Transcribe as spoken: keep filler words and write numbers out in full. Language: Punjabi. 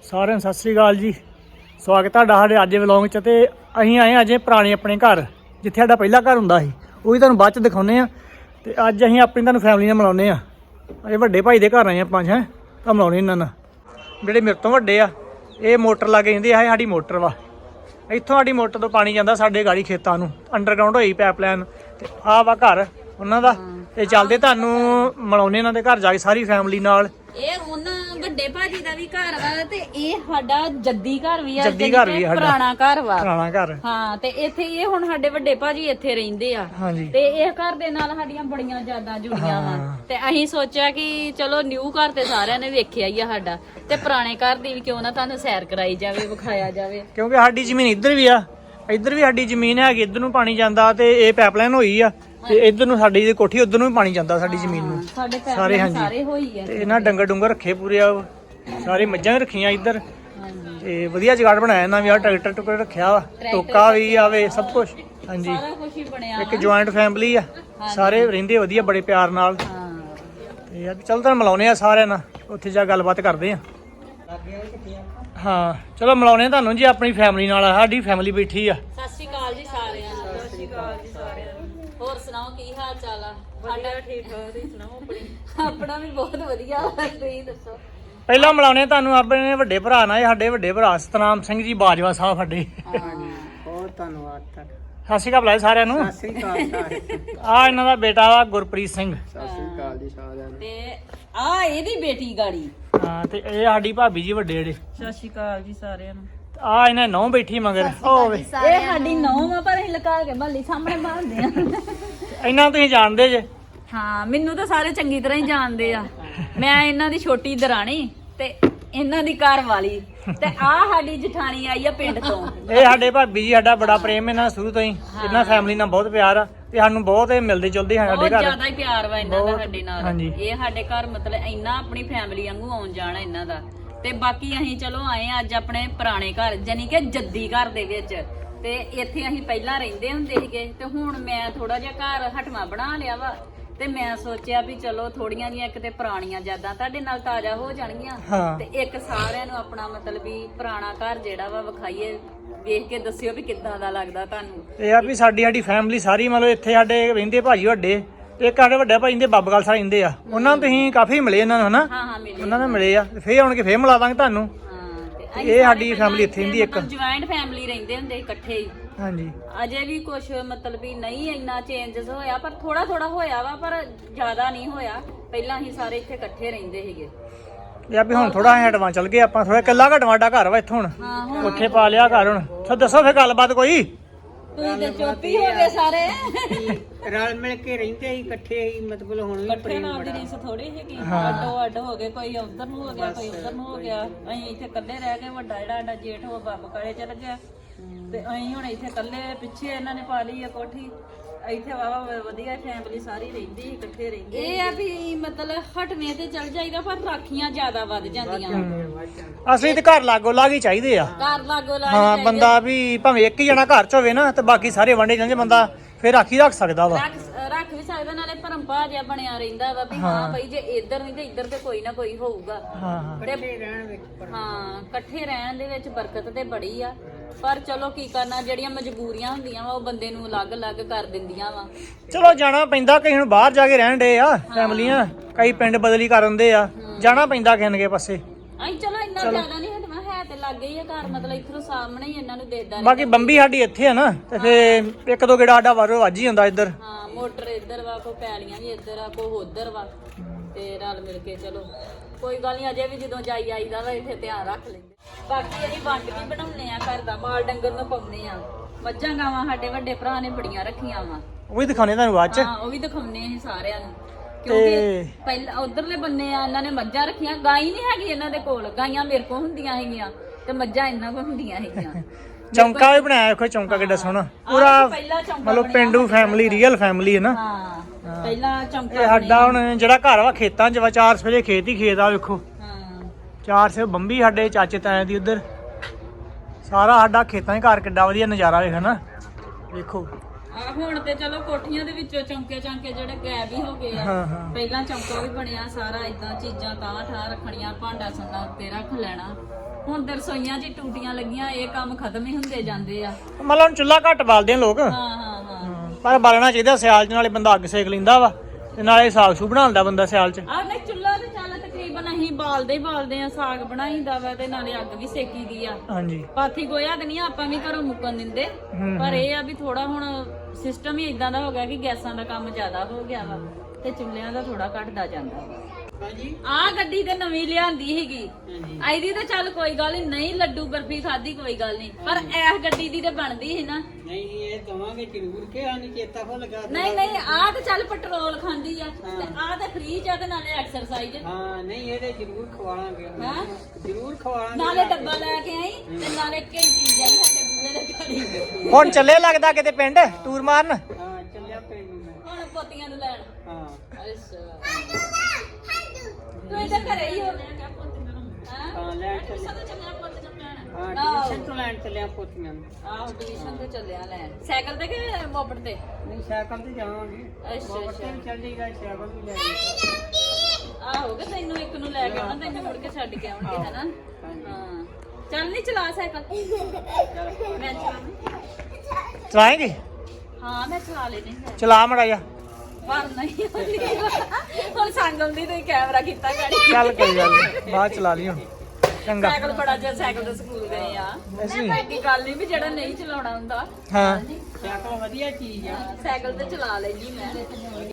ਸਾਰਿਆਂ ਨੂੰ ਸਤਿ ਸ੍ਰੀ ਅਕਾਲ ਜੀ। ਸਵਾਗਤ ਤੁਹਾਡਾ ਸਾਡੇ ਅੱਜ ਵਲੌਗ 'ਚ। ਤੇ ਅਸੀਂ ਆਏ ਅਜੇ ਪੁਰਾਣੇ ਆਪਣੇ ਘਰ, ਜਿੱਥੇ ਸਾਡਾ ਪਹਿਲਾ ਘਰ ਹੁੰਦਾ ਸੀ, ਉਹ ਵੀ ਤੁਹਾਨੂੰ ਬਾਅਦ 'ਚ ਦਿਖਾਉਂਦੇ ਆ। ਤੇ ਅੱਜ ਅਸੀਂ ਆਪਣੀ ਤੁਹਾਨੂੰ ਫੈਮਿਲੀ ਨਾਲ ਮਿਲਾਉਂਦੇ ਆ। ਅਜੇ ਵੱਡੇ ਭਾਈ ਦੇ ਘਰ ਆਏ ਆਪਾਂ ਹੈ ਤਾਂ ਮਿਲਾਉਣੇ ਇਹਨਾਂ ਨਾਲ। ਜਿਹੜੇ ਮੇਰੇ ਤੋਂ ਵੱਡੇ ਆ ਇਹ ਮੋਟਰ ਲਾ ਕੇ ਜਾਂਦੇ ਆ, ਸਾਡੀ ਮੋਟਰ ਵਾ। ਇੱਥੋਂ ਸਾਡੀ ਮੋਟਰ ਤੋਂ ਪਾਣੀ ਜਾਂਦਾ ਸਾਡੇ ਗਾੜੀ ਖੇਤਾਂ ਨੂੰ, ਅੰਡਰਗਰਾਊਂਡ ਹੋਈ ਪਾਈਪਲਾਈਨ। ਤੇ ਆਹ ਵਾ ਘਰ ਉਹਨਾਂ ਦਾ। ਤੇ ਚੱਲਦੇ ਤੁਹਾਨੂੰ ਮਿਲਾਉਂਦੇ ਇਹਨਾਂ ਦੇ ਘਰ ਜਾ ਕੇ ਸਾਰੀ ਫੈਮਿਲੀ ਨਾਲ। ਇਹ ਉਹਨਾਂ ਵੱਡੇ ਭਾਜੀ ਦਾ ਵੀ ਘਰ ਵਾ ਤੇ ਇਹ ਸਾਡਾ ਜੱਦੀ ਘਰ ਵੀ ਆ, ਜੱਦੀ ਘਰ ਵੀ ਆ ਸਾਡਾ, ਪੁਰਾਣਾ ਘਰ ਵਾ, ਪੁਰਾਣਾ ਘਰ। ਹਾਂ। ਤੇ ਇੱਥੇ ਇਹ ਹੁਣ ਸਾਡੇ ਵੱਡੇ ਭਾਜੀ ਇੱਥੇ ਰਹਿੰਦੇ ਆ। ਹਾਂਜੀ। ਤੇ ਇਹ ਘਰ ਦੇ ਨਾਲ ਸਾਡੀਆਂ ਬੜੀਆਂ ਯਾਦਾਂ ਜੁੜੀਆਂ ਵਾ। ਤੇ ਅਸੀਂ ਸੋਚਿਆ ਕਿ ਚਲੋ ਨਿਊ ਘਰ ਤੇ ਸਾਰਿਆਂ ਨੇ ਵੇਖਿਆ ਹੀ ਆ ਸਾਡਾ, ਤੇ ਪੁਰਾਣੇ ਘਰ ਦੀ ਵੀ ਕਿਉਂ ਨਾ ਤੁਹਾਨੂੰ ਸੈਰ ਕਰਾਈ ਜਾਵੇ, ਵਿਖਾਇਆ ਜਾਵੇ। ਕਿਉਂਕਿ ਸਾਡੀ ਜ਼ਮੀਨ ਇੱਧਰ ਵੀ ਆ, ਇੱਧਰ ਵੀ ਸਾਡੀ ਜ਼ਮੀਨ ਹੈਗੀ, ਇੱਧਰ ਨੂੰ ਪਾਣੀ ਜਾਂਦਾ। ਤੇ ਇਹ ਪਾਈਪਲਾਈਨ ਹੋਈ ਆ ਤੇ ਇੱਧਰ ਨੂੰ ਸਾਡੀ ਦੀ ਕੋਠੀ, ਉੱਧਰ ਨੂੰ ਵੀ ਪਾਣੀ ਜਾਂਦਾ ਸਾਡੀ ਜ਼ਮੀਨ ਨੂੰ। ਸਾਡੇ ਸਾਰੇ ਹਾਂਜੀ ਸਾਰੇ ਹੋਈ ਆ। ਤੇ ਇਹਨਾਂ ਡੰਗਰ ਡੁੰਗਰ ਰੱਖੇ ਪੂਰੇ ਆ, ਸਾਰੇ ਮੱਝਾਂ ਵੀ ਰੱਖੀਆਂ ਇੱਧਰ। ਤੇ ਵਧੀਆ ਜਗਾੜ ਬਣਾਇਆ ਇਹਨਾਂ ਵੀ, ਆ ਟਰੈਕਟਰ ਟੁਕਰ ਰੱਖਿਆ ਵਾ, ਟੋਕਾ ਵੀ ਆਵੇ, ਸਭ ਕੁਝ। ਹਾਂਜੀ, ਸਾਰਾ ਕੁਝ ਹੀ ਬਣਿਆ। ਇੱਕ ਜੁਆਇੰਟ ਫੈਮਿਲੀ ਆ, ਸਾਰੇ ਰਹਿੰਦੇ ਵਧੀਆ ਬੜੇ ਪਿਆਰ ਨਾਲ। ਤੇ ਯਾਰ ਚਲੋ ਤੁਹਾਨੂੰ ਮਿਲਾਉਣੇ ਆ ਸਾਰਿਆਂ ਨਾਲ, ਉੱਥੇ ਜਾ ਗੱਲਬਾਤ ਕਰਦੇ ਆ। ਹਾਂ ਚਲੋ ਮਿਲਾਉਣੇ ਤੁਹਾਨੂੰ ਜੀ ਆਪਣੀ ਫੈਮਿਲੀ ਨਾਲ। ਸਾਡੀ ਫੈਮਿਲੀ ਬੈਠੀ ਆ। ਸਤਿ ਸ਼੍ਰੀ ਅਕਾਲ ਜੀ ਸਾਰਿਆਂ ਨੂੰ। ਸਤਿ ਸ਼੍ਰੀ ਅਕਾਲ ਜੀ ਸਾਰਿਆਂ ਨੂੰ। ਹੋਰ ਸੁਣਾਓ ਕੀ ਹਾਲ ਚਾਲ ਆ? ਸਾਡਾ ਠੀਕ ਠਾਕ, ਤੁਸੀਂ ਸੁਣਾਓ ਆਪਣੀ? ਆਪਣਾ ਵੀ ਬਹੁਤ ਵਧੀਆ, ਤੁਸੀਂ ਦੱਸੋ। ਪਹਿਲਾਂ ਮਿਲਾਉਣੇ ਤੁਹਾਨੂੰ ਆਪਣੇ ਵੱਡੇ ਭਰਾ ਨਾਲ। ਸਾਡੇ ਵੱਡੇ ਭਰਾ ਸਤਨਾਮ ਸਿੰਘ ਜੀ ਬਾਜਵਾ ਸਾਹਿਬ ਸਾਡੇ। ਬਹੁਤ ਧੰਨਵਾਦ ਤੁਹਾਡਾ। ਸਤਿ ਸ਼੍ਰੀ ਅਕਾਲ ਬੁਲਾਏ ਸਾਰਿਆਂ ਨੂੰ। ਸਤਿ ਸ੍ਰੀ ਅਕਾਲ। ਆ ਇਹਨਾਂ ਦਾ ਬੇਟਾ ਵਾ ਗੁਰਪ੍ਰੀਤ ਸਿੰਘ। ਸਤਿ ਸ੍ਰੀ ਅਕਾਲ ਜੀ ਸਾਰਿਆਂ ਨੂੰ। ਤੇ ਆ ਇਹਦੀ ਬੇਟੀ ਗਾੜੀ। ਹਾਂ ਤੇ ਇਹ ਸਾਡੀ ਭਾਬੀ ਜੀ ਵੱਡੇ ਜਿਹੜੇ। ਸਤਿ ਸ਼੍ਰੀ ਅਕਾਲ ਜੀ ਸਾਰਿਆਂ ਨੂੰ। ਆ ਇਹਨਾਂ ਨੌ ਬੈਠੀ ਮਗਰ ਹੋਵੇ। ਇਹ ਸਾਡੀ ਨੌਂ ਆ, ਪਰ ਅਸੀਂ ਲੁਕਾ ਕੇ ਮੱਲੀ ਸਾਹਮਣੇ ਬਾਂਹਦੇ ਆ। ਇਹਨਾਂ ਤੁਸੀਂ ਜਾਣਦੇ ਜੇ? ਹਾਂ, ਮੈਨੂੰ ਤਾਂ ਸਾਰੇ ਚੰਗੀ ਤਰ੍ਹਾਂ ਹੀ ਜਾਣਦੇ ਆ। ਮੈਂ ਇਹਨਾਂ ਦੀ ਛੋਟੀ ਦਰਾਣੀ ਤੇ ਇਹਨਾਂ ਦੀ ਘਰ ਵਾਲੀ। ਤੇ ਆ ਸਾਡੀ ਜਠਾਣੀ ਆਈ ਆ ਪਿੰਡ ਤੋਂ। ਇਹ ਸਾਡੇ ਭਾਬੀ ਜੀ, ਸਾਡਾ ਬੜਾ ਪ੍ਰੇਮ ਇਹਨਾਂ ਸ਼ੁਰੂ ਤੋਂ ਹੀ। ਇਹਨਾਂ ਫੈਮਿਲੀ ਨਾਲ ਬਹੁਤ ਪਿਆਰ ਆ ਤੇ ਸਾਨੂੰ ਬਹੁਤ ਇਹ ਮਿਲਦੇ ਜੁਲਦੇ ਸਾਡੇ ਬਹੁਤ ਘਰ। ਜ਼ਿਆਦਾ ਹੀ ਪਿਆਰ ਵਾ ਇਹਨਾਂ ਦਾ ਸਾਡੇ ਨਾਲ। ਹਾਂਜੀ। ਇਹ ਸਾਡੇ ਘਰ ਮਤਲਬ ਇੰਨਾ ਆਪਣੀ ਫੈਮਿਲੀ ਵਾਂਗੂ ਆਉਣ ਜਾਣਾ ਇਹਨਾਂ ਦਾ। ਤੇ ਬਾਕੀ ਅਸੀਂ ਚਲੋ ਆਏ ਅੱਜ ਆਪਣੇ ਪੁਰਾਣੇ ਘਰ, ਜਾਨੀ ਕਿ ਜੱਦੀ ਘਰ ਦੇ ਵਿੱਚ। ਤੇ ਇੱਥੇ ਅਸੀਂ ਪਹਿਲਾਂ ਰਹਿੰਦੇ ਹੁੰਦੇ ਸੀਗੇ, ਤੇ ਹੁਣ ਮੈਂ ਥੋੜਾ ਜਿਹਾ ਘਰ ਹਟਵਾ ਬਣਾ ਲਿਆ ਵਾ। ਤੇ ਮੈਂ ਸੋਚਿਆ ਵੀ ਚਲੋ ਥੋੜੀਆਂ ਜਿਹੀਆਂ ਕਿਤੇ ਪੁਰਾਣੀਆਂ ਯਾਦਾਂ ਤੁਹਾਡੇ ਨਾਲ ਤਾਜ਼ਾ ਹੋ ਜਾਣਗੀਆਂ। ਤੇ ਇੱਕ ਸਾਰਿਆਂ ਨੂੰ ਆਪਣਾ ਮਤਲਬ ਵੀ ਪੁਰਾਣਾ ਘਰ ਜਿਹੜਾ ਵਾ ਵਿਖਾਈਏ, ਵੇਖ ਕੇ ਦੱਸਿਓ ਵੀ ਕਿੱਦਾਂ ਦਾ ਲੱਗਦਾ ਤੁਹਾਨੂੰ। ਇਹ ਆ ਵੀ ਸਾਡੀ ਸਾਡੀ ਫੈਮਿਲੀ ਸਾਰੀ ਮਤਲਬ ਇੱਥੇ ਸਾਡੇ ਰਹਿੰਦੇ ਭਾਜੀ ਵੱਡੇ, ਤੇ ਇੱਕ ਸਾਡੇ ਵੱਡੇ ਭਾਈ ਦੇ ਬੱਬਗਲ ਸਾਹਿਬ ਰਹਿੰਦੇ ਆ। ਉਹਨਾਂ ਨੂੰ ਤੁਸੀਂ ਕਾਫੀ ਮਿਲੇ ਇਹਨਾਂ ਨੂੰ, ਹਨਾ? ਹਾਂ ਹਾਂ ਮਿਲੇ। ਉਹਨਾਂ ਨੂੰ ਮਿਲੇ ਆ, ਫੇਰ ਆਉਣ ਕੇ ਫੇਰ ਮਿਲਾ ਦਾਂਗੇ ਤੁਹਾਨੂੰ। ਇਹ ਸਾਡੀ ਫੈਮਿਲੀ ਇੱਥੇ ਰਹਿੰਦੀ ਇੱਕ ਜੁਆਇੰਟ ਫੈਮਿਲੀ ਰਹਿੰਦੇ ਹੁੰਦੇ ਇਕੱਠੇ ਹੀ। ਹਾਂਜੀ। ਅਜੇ ਵੀ ਕੁਝ ਮਤਲਬ ਵੀ ਨਹੀਂ ਇੰਨਾ ਚੇਂਜਸ ਹੋਇਆ, ਪਰ ਥੋੜਾ ਥੋੜਾ ਹੋਇਆ ਵਾ, ਪਰ ਜ਼ਿਆਦਾ ਨਹੀਂ ਹੋਇਆ। ਪਹਿਲਾਂ ਹੀ ਸਾਰੇ ਇੱਥੇ ਇਕੱਠੇ ਰਹਿੰਦੇ ਸੀਗੇ। ਇਹ ਵੀ ਹੁਣ ਥੋੜਾ ਹਟਵਾ ਚੱਲ ਗਏ ਆਪਾਂ, ਥੋੜਾ ਕੱਲਾ ਘਟਵਾ ਸਾਡਾ ਘਰ ਵਾ ਇੱਥੋਂ ਹੁਣ। ਹਾਂ, ਉੱਥੇ ਪਾ ਲਿਆ ਘਰ ਹੁਣ। ਸੋ ਦੱਸੋ ਫੇਰ ਗੱਲਬਾਤ ਕੋਈ। ਤੁਸੀਂ ਤੇ ਚੁੱਪ ਹੀ ਹੋ ਗਏ ਸਾਰੇ। ਰਲ ਮਿਲ ਕੇ ਰਹਿੰਦੇ ਹੀ, ਇਕੱਠੇ ਹੀ, ਮਤਲਬ ਹੁਣ ਵੀ ਇਕੱਠੇ ਨਾਲ ਦੀ ਰੀਸ ਥੋੜੀ ਸੀਗੀ। ਅੱਡੋ ਅੱਡ ਹੋ ਗਏ, ਕੋਈ ਉਧਰ ਨੂੰ ਹੋ ਗਿਆ, ਕੋਈ ਉਧਰ ਨੂੰ ਹੋ ਗਿਆ। ਅਸੀਂ ਇੱਥੇ ਇਕੱਲੇ ਰਹਿ ਗਏ। ਵੱਡਾ ਜਿਹੜਾ ਸਾਡਾ ਜੇਠ ਉਹ ਬੱਬ ਕਾਲੇ ਚਲ ਗਿਆ, ਤੇ ਅਸੀਂ ਹੁਣ ਇੱਥੇ ਇਕੱਲੇ। ਪਿੱਛੇ ਇਹਨਾਂ ਨੇ ਪਾ ਲਈ ਆ ਕੋਠੀ। ਇੱਥੇ ਵਾਵਾ ਵਧੀਆ ਫੈਮਿਲੀ ਸਾਰੀ ਰਹਿੰਦੀ ਸੀ, ਇਕੱਠੇ ਰਹਿੰਦੇ। ਇਹ ਆ ਵੀ ਮਤਲਬ ਹਟਵੇਂ ਤੇ ਚਲ ਜਾਈਦਾ, ਪਰ ਰਾਖੀਆਂ ਜ਼ਿਆਦਾ ਵੱਧ ਜਾਂਦੀਆਂ। ਅਸਲੀ ਤੇ ਘਰ ਲਾਗੋ ਲਾਗ ਹੀ ਚਾਹੀਦੇ ਆ। ਘਰ ਲਾਗੋ ਲਾ ਹਾਂ, ਬੰਦਾ ਵੀ ਭਾਵੇਂ ਇੱਕ ਹੀ ਜਣਾ ਘਰ ਚ ਹੋਵੇ ਨਾ, ਤੇ ਬਾਕੀ ਸਾਰੇ ਵੰਡੇ ਜਾਂਦੇ, ਬੰਦਾ ਫੇਰ ਰਾਖੀ ਰੱਖ ਸਕਦਾ ਵਾ। ਰੱਖ ਰੱਖ ਵੀ ਸਕਦਾ, ਨਾਲੇ ਭਰਮਪਾ ਜਿਹਾ ਬਣਿਆ ਰਹਿੰਦਾ ਵਾ ਵੀ ਹਾਂ ਬਈ ਜੇ ਇੱਧਰ ਨਹੀਂ ਤੇ ਇੱਧਰ ਤੇ ਕੋਈ ਨਾ ਕੋਈ ਹੋਊਗਾ। ਹਾਂ ਹਾਂ। ਇਕੱਠੇ ਰਹਿਣ ਵਿੱਚ ਹਾਂ ਇਕੱਠੇ ਰਹਿਣ ਦੇ ਵਿੱਚ ਬਰਕਤ ਤੇ ਬੜੀ ਆ। ਪਰ ਚਲੋ ਕੀ ਕਰਨਾ, ਜਿਹੜੀਆਂ ਮਜਬੂਰੀਆਂ ਹੁੰਦੀਆਂ ਵਾ ਉਹ ਬੰਦੇ ਨੂੰ ਅਲੱਗ-ਅਲੱਗ ਕਰ ਦਿੰਦੀਆਂ ਵਾ। ਚਲੋ ਜਾਣਾ ਪੈਂਦਾ, ਕਈ ਹੁਣ ਬਾਹਰ ਜਾ ਕੇ ਰਹਿਣ ਡੇ ਆ ਫੈਮਲੀਆਂ, ਕਈ ਪਿੰਡ ਬਦਲੀ ਕਰ ਦਿੰਦੇ ਆ, ਜਾਣਾ ਪੈਂਦਾ ਕਿਸੇ ਕੇ ਪਾਸੇ। ਅਸੀਂ ਚਲੋ ਇੰਨਾ ਜ਼ਿਆਦਾ ਨਹੀਂ ਹਟਵਾ, ਹੈ ਤੇ ਲੱਗ ਗਈ ਆ ਘਰ, ਮਤਲਬ ਇੱਥੋਂ ਸਾਹਮਣੇ ਹੀ ਇਹਨਾਂ ਨੂੰ ਦੇਖਦਾ। ਬਾਕੀ ਬੰਬੀ ਸਾਡੀ ਇੱਥੇ ਆ ਨਾ, ਤੇ ਫੇਰ ਇੱਕ ਦੋ ਗੇੜਾ ਸਾਡਾ ਵਾਰੋ ਵੱਜ ਹੀ ਹੁੰਦਾ ਇੱਧਰ। ਹਾਂ, ਮੋਟਰ ਇੱਧਰ ਵਾ, ਕੋਈ ਪੈਲੀਆਂ ਵੀ ਇੱਧਰ ਆ, ਕੋਈ ਉੱਧਰ ਵਾ, ਤੇ ਰਲ ਮਿਲ ਕੇ ਚਲੋ ਕੋਈ ਗੱਲ ਨਹੀਂ। ਅਜੇ ਵੀ ਜਦੋਂ ਜਾਈ ਆਈਦਾ ਵਾ ਇੱਥੇ ਧਿਆਨ ਰੱਖ ਲੈਂਦੇ। ਬਾਕੀ ਅਸੀਂ ਵੰਡ ਵੀ ਬਣਾਉਂਦੇ ਆ ਘਰ ਦਾ, ਮਾਲ ਡੰਗਰ ਨੂੰ ਪਾਉਂਦੇ ਆ। ਮੱਝਾਂ ਗਾਵਾਂ ਸਾਡੇ ਵੱਡੇ ਭਰਾ ਨੇ ਬੜੀਆਂ ਰੱਖੀਆਂ ਵਾ, ਉਹ ਵੀ ਦਿਖਾਉਣੇ ਤੁਹਾਨੂੰ ਬਾਅਦ ਚ। ਹਾਂ, ਉਹ ਵੀ ਦਿਖਾਉਂਦੇ ਅਸੀਂ ਸਾਰਿਆਂ ਨੂੰ। ਕਿਉਂਕਿ ਪਹਿਲਾਂ ਉਧਰਲੇ ਬੰਨੇ ਆ ਇਹਨਾਂ ਨੇ ਮੱਝਾਂ ਰੱਖੀਆਂ। ਗਾਂ ਨਹੀਂ ਹੈਗੀ ਇਹਨਾਂ ਦੇ ਕੋਲ, ਗਾਈਆਂ ਮੇਰੇ ਕੋਲ ਹੁੰਦੀਆਂ ਹੈਗੀਆਂ ਤੇ ਮੱਝਾਂ ਇਹਨਾਂ ਕੋਲ ਹੁੰਦੀਆਂ ਹੈਗੀਆਂ। ਚੌਂਕਾ ਵੀ ਬਣਾਇਆ ਦੇਖੋ, ਚੌਂਕਾ ਕਿੱਡਾ ਸੋਹਣਾ, ਪੂਰਾ ਮਤਲਬ ਪਿੰਡੂ ਫੈਮਿਲੀ, ਰੀਅਲ ਫੈਮਿਲੀ ਹੈ ਨਾ। ਹਾਂ, ਪਹਿਲਾਂ ਚੌਂਕਾ। ਇਹ ਸਾਡਾ ਹੁਣ ਜਿਹੜਾ ਘਰ ਵਾ ਖੇਤਾਂ ਚ ਵਾ, ਚਾਰ ਸਵੇਰੇ ਖੇਤ ਹੀ ਖੇਤ ਆ ਵੇਖੋ। ਹਾਂ, ਚਾਰ ਸੇ ਬੰਬੀ ਸਾਡੇ ਚਾਚੇ ਤਾਇਆਂ ਦੀ ਉਧਰ, ਸਾਰਾ ਸਾਡਾ ਖੇਤਾਂ ਹੀ ਘਰ। ਕਿੱਡਾ ਵਧੀਆ ਨਜ਼ਾਰਾ ਵੇਖ ਨਾ, ਵੇਖੋ। ਆ ਹੁਣ ਤੇ ਚਲੋ ਕੋਠੀਆਂ ਦੇ ਵਿੱਚੋਂ ਚੌਂਕੇ ਚਾਂਕੇ ਜਿਹੜੇ ਗਾਇਬ ਹੀ ਹੋ ਗਏ ਆ। ਹਾਂ ਹਾਂ। ਪਹਿਲਾਂ ਚੌਂਕਾ ਵੀ ਬਣਿਆ ਸਾਰਾ, ਇਦਾਂ ਚੀਜ਼ਾਂ ਤਾਂ ਠਾਂ ਰੱਖਣੀਆਂ, ਭਾਂਡਾ ਸੰਦਾ ਉੱਤੇ ਰੱਖ ਲੈਣਾ। ਹੁਣ ਤੇ ਰਸੋਈਆਂ 'ਚ ਹੀ ਟੂਟੀਆਂ ਲੱਗੀਆਂ, ਇਹ ਕੰਮ ਖਤਮ ਹੀ ਹੁੰਦੇ ਜਾਂਦੇ ਆ। ਮਤਲਬ ਹੁਣ ਚੁੱਲ੍ਹਾ ਘੱਟ ਬਾਲਦੇ ਆ ਲੋਕ, ਹਾਂ ਹਾਂ ਹਾਂ ਪਰ ਬਾਲਣਾ ਚਾਹੀਦਾ ਸਿਆਲ 'ਚ, ਨਾਲੇ ਬੰਦਾ ਅੱਗ ਸੇਕ ਲੈਂਦਾ ਵਾ ਤੇ ਨਾਲੇ ਸਾਗ ਸੂ ਬਣਾਉਂਦਾ ਬੰਦਾ ਸਿਆਲ 'ਚ। ਆਹ ਨਹੀਂ ਚੁੱਲ੍ਹਾ ਤੇ ਚੱਲ ਤਕਰੀਬਨ ਅਸੀਂ ਬਾਲਦੇ ਹੀ ਬਾਲਦੇ ਆ, ਸਾਗ ਬਣਾਈਦਾ ਵਾ ਤੇ ਨਾਲੇ ਅੱਗ ਵੀ ਸੇਕੀ ਦੀ ਆ। ਹਾਂਜੀ ਪਾਥੀ ਗੋਇਆ ਤੇ ਨਹੀਂ ਆਪਾਂ ਵੀ ਘਰੋਂ ਮੁੱਕਣ ਦਿੰਦੇ, ਪਰ ਇਹ ਆ ਵੀ ਥੋੜਾ ਹੁਣ ਸਿਸਟਮ ਹੀ ਇਦਾਂ ਦਾ ਹੋ ਗਿਆ ਕਿ ਗੈਸਾਂ ਦਾ ਕੰਮ ਜ਼ਿਆਦਾ ਹੋ ਗਿਆ ਵਾ ਤੇ ਚੁੱਲ੍ਹਿਆਂ ਦਾ ਥੋੜਾ ਘਟਦਾ ਜਾਂਦਾ ਵਾ। ਹਾਂਜੀ ਆਹ ਗੱਡੀ ਤੇ ਨਵੀਂ ਲਿਆਂਦੀ ਸੀਗੀ, ਹਾਂਜੀ ਆਈਦੀ ਤਾਂ ਚੱਲ ਕੋਈ ਗੱਲ ਨੀ, ਨਹੀਂ ਲੱਡੂ ਬਰਫੀ ਖਾਦੀ ਕੋਈ ਗੱਲ ਨਹੀਂ, ਪਰ ਇਸ ਗੱਡੀ ਦੀ ਤੇ ਬਣਦੀ ਸੀ ਨਾ। ਨਹੀਂ ਇਹ ਦਵਾਂਗੇ ਜ਼ਰੂਰ ਕਿ ਸਾਨੂੰ ਚੇਤਾ ਭੁੱਲ ਗਿਆ। ਨਹੀਂ ਨਹੀਂ ਆਹ ਤੇ ਚੱਲ ਪੈਟਰੋਲ ਖਾਂਦੀ ਆ ਤੇ ਆਹ ਤੇ ਫ੍ਰੀ ਚ ਆ ਤੇ ਨਾਲੇ ਐਕਸਰਸਾਈਜ਼। ਹਾਂ ਨਹੀਂ ਇਹਦੇ ਜ਼ਰੂਰ ਖਵਾਵਾਂਗੇ, ਹਾਂ ਜ਼ਰੂਰ ਖਵਾਵਾਂਗੇ। ਨਾਲੇ ਡੱਬਾ ਲੈ ਕੇ ਆਈ ਤੇ ਨਾਲੇ ਘੰਟੀ ਜਾਈ ਸਾਡੇ ਬੂਹੇ ਦੇ ਘੜੀ। ਹੁਣ ਚੱਲੇ ਲੱਗਦਾ ਕਿਤੇ ਪਿੰਡ ਟੂਰ ਮਾਰਨ। ਹਾਂ ਚੱਲਿਆ ਪੈ ਨੂੰ ਮੈਂ। ਹੁਣ ਪੋਤੀਆਂ ਨੂੰ ਲੈਣ। ਹਾਂ ਅੱਛਾ ਤੂੰ ਇੱਧਰ ਘਰੇ ਹੀ ਹੋ ਹਾਂ ਹਾਂ ਲੈਣ ਚੱਲਿਆ। ਸਦਾ ਚੱਲਿਆ ਪੁੱਤ ਨੂੰ ਲੈਣ। ਹਾਂ ਟਿਊਸ਼ਨ ਤੋਂ ਲੈਣ ਚੱਲਿਆ ਪੋਤੀਆਂ ਨੂੰ। ਆਹੋ ਟਿਊਸ਼ਨ ਤੇ ਚੱਲਿਆ ਲੈਣ, ਸਾਈਕਲ ਤੇ ਕਿ ਮੋਪੜ ਤੇ? ਨਹੀਂ ਸਾਈਕਲ ਤੇ ਜਾਵਾਂਗੇ। ਅੱਛਾ ਬਾਬਾ ਅੱਛਾ ਤੇ ਵੀ ਚੱਲ ਜਾਈਦਾ, ਸਾਈਕਲ ਵੀ ਲੈ ਜਾਈਦਾ। ਆਹੋ ਕਿ ਤੈਨੂੰ ਇੱਕ ਨੂੰ ਲੈ ਕੇ ਆਉਣਾ, ਤੈਨੂੰ ਮੁੜ ਕੇ ਛੱਡ ਕੇ ਆਉਣਗੇ ਹਨਾ। ਹਾਂ ਚੱਲ ਨਹੀਂ ਚਲਾ ਸਾਈਕਲ, ਮੈਂ ਚਲਾਵਾਂ। ਚਲਾਏਂਗੇ? ਹਾਂ ਮੈਂ ਚਲਾ ਲੈਣੀ ਹੈ, ਚਲਾ ਮੜਾ ਜਾ। ਪਰ ਨਹੀਂ ਹੁੰਦੀ ਹੁਣ ਸੰਗਮ ਦੀ ਤੇ ਕੈਮਰਾ ਕੀਤਾ ਗਾੜੀ। ਚੱਲ ਕੋਈ ਗੱਲ ਨੀ, ਬਾਅਦ ਚਲਾ ਲਈ ਹੁਣ। ਚੰਗਾ ਸਾਈਕਲ ਬੜਾ ਜਿਹਾ ਸਾਈਕਲ ਤੇ ਸਕੂਲ ਗਏ ਆ, ਅਸੀਂ ਐਡੀ ਗੱਲ ਨਹੀਂ ਵੀ ਜਿਹੜਾ ਨਹੀਂ ਚਲਾਉਣਾ ਹੁੰਦਾ। ਹਾਂ ਸਾਈਕਲ ਵਧੀਆ ਚੀਜ਼ ਆ। ਸਾਈਕਲ ਤੇ ਚਲਾ ਲੈਂਦੀ ਮੈਂ।